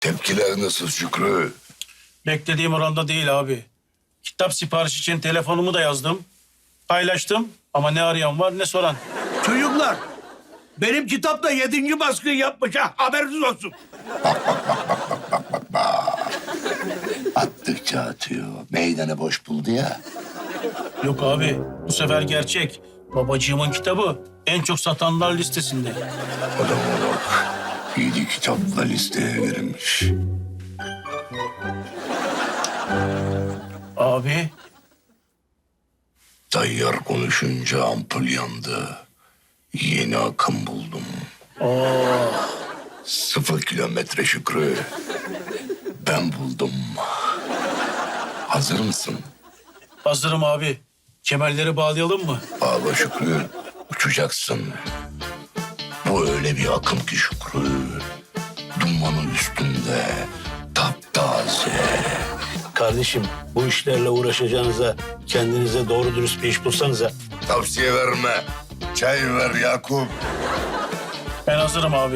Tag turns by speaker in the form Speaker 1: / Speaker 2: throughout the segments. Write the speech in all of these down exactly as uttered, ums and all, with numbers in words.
Speaker 1: Tepkiler nasıl Şükrü?
Speaker 2: Beklediğim oranda değil abi. Kitap siparişi için telefonumu da yazdım. Paylaştım ama ne arayan var ne soran.
Speaker 3: Çocuklar, benim kitap da yedinci baskı yapmış ha, haberiniz olsun.
Speaker 1: Attıkça atıyor. Meydanı boş buldu ya.
Speaker 2: Yok abi bu sefer gerçek. Babacığımın kitabı en çok satanlar listesinde.
Speaker 1: Adama bak. Yedi kitapla listeye girmiş.
Speaker 2: Abi
Speaker 1: Tayyar konuşunca ampul yandı. Yeni akım buldum.
Speaker 2: Oo.
Speaker 1: Sıfır kilometre Şükrü. Ben buldum. Hazır mısın?
Speaker 2: Hazırım abi. Kemerleri bağlayalım mı?
Speaker 1: Bağla Şükrü. Uçacaksın. Bu öyle bir akım ki Şükrü. Dumanın üstünde. Taptaze.
Speaker 4: Kardeşim bu işlerle uğraşacağınıza kendinize doğru dürüst bir iş bulsanıza.
Speaker 1: Tavsiye verme. Çay ver Yakup.
Speaker 2: Ben hazırım abi.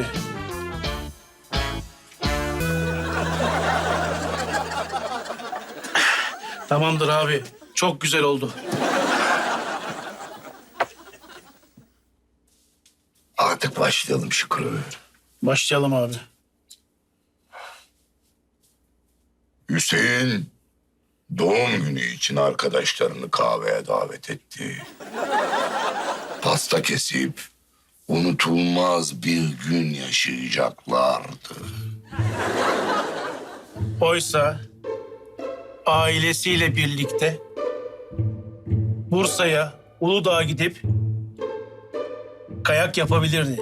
Speaker 2: Tamamdır abi. Çok güzel oldu.
Speaker 1: Artık başlayalım Şükrü.
Speaker 2: Başlayalım abi.
Speaker 1: Hüseyin doğum günü için arkadaşlarını kahveye davet etti. Pasta kesip unutulmaz bir gün yaşayacaklardı.
Speaker 2: Oysa ailesiyle birlikte Bursa'ya, Uludağ'a gidip kayak yapabilirdi.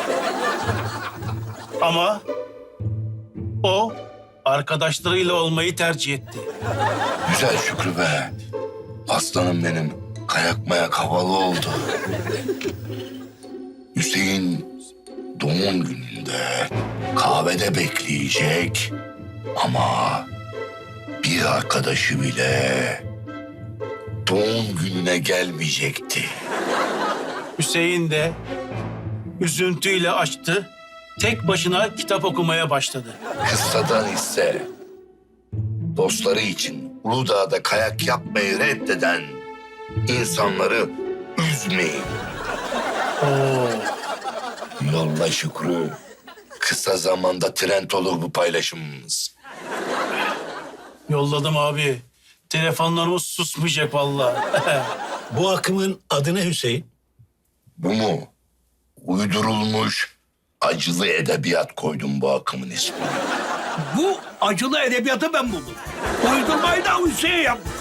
Speaker 2: Ama o arkadaşlarıyla olmayı tercih etti.
Speaker 1: Güzel Şükrü be. Aslanım benim. Kayak mayak havalı oldu. Hüseyin doğum gününde kahvede bekleyecek ama bir arkadaşı bile doğum gününe gelmeyecekti.
Speaker 2: Hüseyin de üzüntüyle açtı, tek başına kitap okumaya başladı.
Speaker 1: Kıssadan ise dostları için Uludağ'da kayak yapmayı reddeden insanları üzmeyin.
Speaker 2: Oo.
Speaker 1: Yolla Şükrü. Kısa zamanda trend olur bu paylaşımımız.
Speaker 2: Yolladım abi. Telefonlarımız susmayacak vallahi.
Speaker 4: Bu akımın adı ne Hüseyin?
Speaker 1: Bu mu? Uydurulmuş acılı edebiyat koydum bu akımın ismini.
Speaker 3: Bu acılı edebiyatı ben buldum. Uydurmayı da Hüseyin yapmış.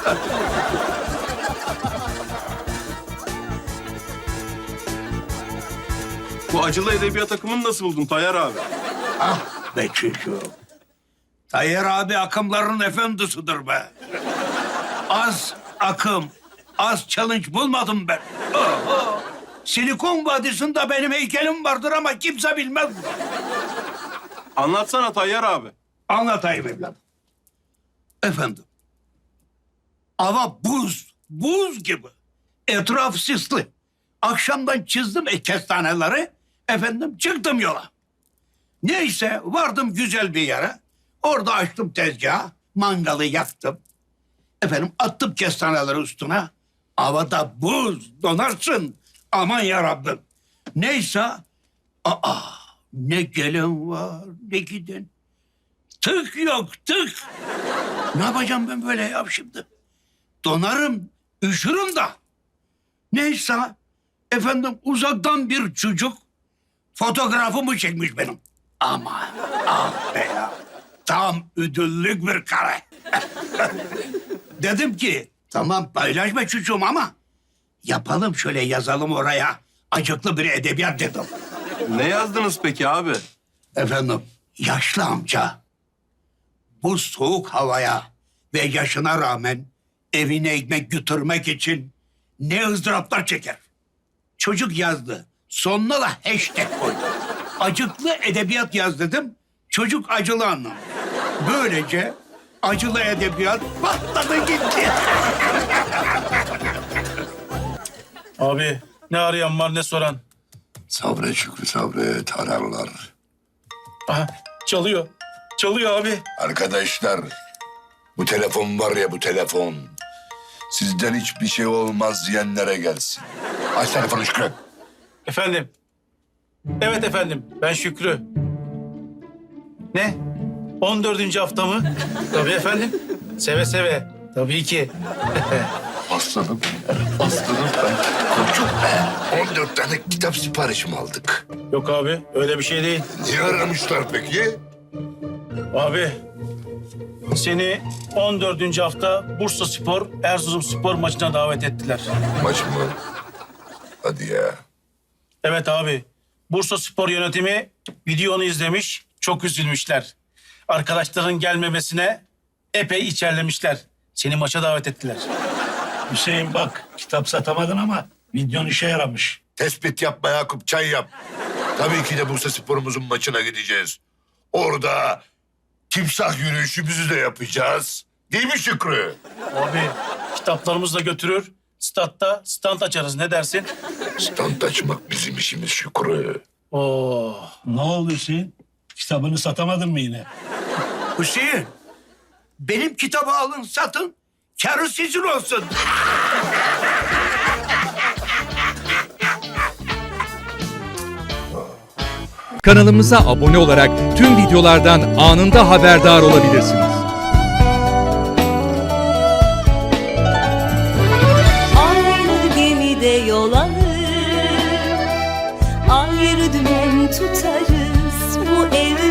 Speaker 5: Bu acılı edebiyat akımını nasıl buldun Tayyar abi?
Speaker 3: Ah be çocuğum. Tayyar abi akımların efendisidir be. Az akım, az challenge bulmadım ben. Oho. Silikon Vadisi'nde benim heykelim vardır ama kimse bilmez.
Speaker 5: Anlatsana Tayyar abi.
Speaker 3: Anlatayım evladım. Efendim. Hava buz, buz gibi. Etraf sisli. Akşamdan çizdim e kestaneleri. Efendim çıktım yola. Neyse vardım güzel bir yere. Orada açtım tezgahı. Mangalı yaktım. Efendim attım kestaneleri üstüne. Havada buz donarsın. Aman yarabbim. Neyse. Aa ne gelin var ne giden. Tık yok tık. Ne yapacağım ben böyle ya şimdi? Donarım, üşürüm da. Neyse efendim uzaktan bir çocuk fotoğrafımı çekmiş benim. Ama ah be ya. Tam ödüllük bir kare. Dedim ki tamam paylaşma çocuğum ama yapalım şöyle yazalım oraya. Acıklı bir edebiyat dedim.
Speaker 5: Ne yazdınız peki abi?
Speaker 3: Efendim yaşlı amca bu soğuk havaya ve yaşına rağmen evine ekmek götürmek için ne ızdıraplar çeker. Çocuk yazdı. Sonuna da hashtag koydu. Acıklı edebiyat yaz dedim. Çocuk acılı anlamış. Böylece acılı edebiyat patladı gitti.
Speaker 2: Abi ne arayan var ne soran.
Speaker 1: Sabret Şükrü sabret ararlar.
Speaker 2: Aha çalıyor. Çalıyor abi.
Speaker 1: Arkadaşlar, bu telefon var ya bu telefon. Sizden hiçbir şey olmaz diyenlere gelsin. Aç telefonu Şükrü.
Speaker 2: Efendim. Evet efendim. Ben Şükrü. Ne? on dördüncü hafta mı? Tabii efendim. Seve seve. Tabii ki.
Speaker 1: Aslanım, aslanım ben. Koçum be. on dört tane kitap siparişimi aldık.
Speaker 2: Yok abi. Öyle bir şey değil.
Speaker 1: Niye aramışlar peki?
Speaker 2: Abi. Seni on dördüncü hafta Bursa Spor, Erzurum Spor maçına davet ettiler.
Speaker 1: Maç mı? Hadi ya.
Speaker 2: Evet abi. Bursa Spor yönetimi videonu izlemiş. Çok üzülmüşler. Arkadaşların gelmemesine epey içerlemişler. Seni maça davet ettiler.
Speaker 4: Hüseyin bak, kitap satamadın ama videon işe yaramış.
Speaker 1: Tespit yapma Yakup, çay yap. Tabii ki de Bursa Spor'umuzun maçına gideceğiz. Orada timsah yürüyüşümüzü de yapacağız. Değil mi Şükrü?
Speaker 2: Abi kitaplarımızı da götürür. Statta stand açarız. Ne dersin?
Speaker 1: Stand açmak bizim işimiz Şükrü.
Speaker 2: Oo.
Speaker 4: Ne oldu Hüseyin? Kitabını satamadın mı yine?
Speaker 3: Hüseyin, benim kitabı alın satın, karı sizin olsun.
Speaker 6: Kanalımıza abone olarak tüm videolardan anında haberdar olabilirsiniz.
Speaker 7: Aynı gemide yol alır, ayrı dümen tutarız. Bu evde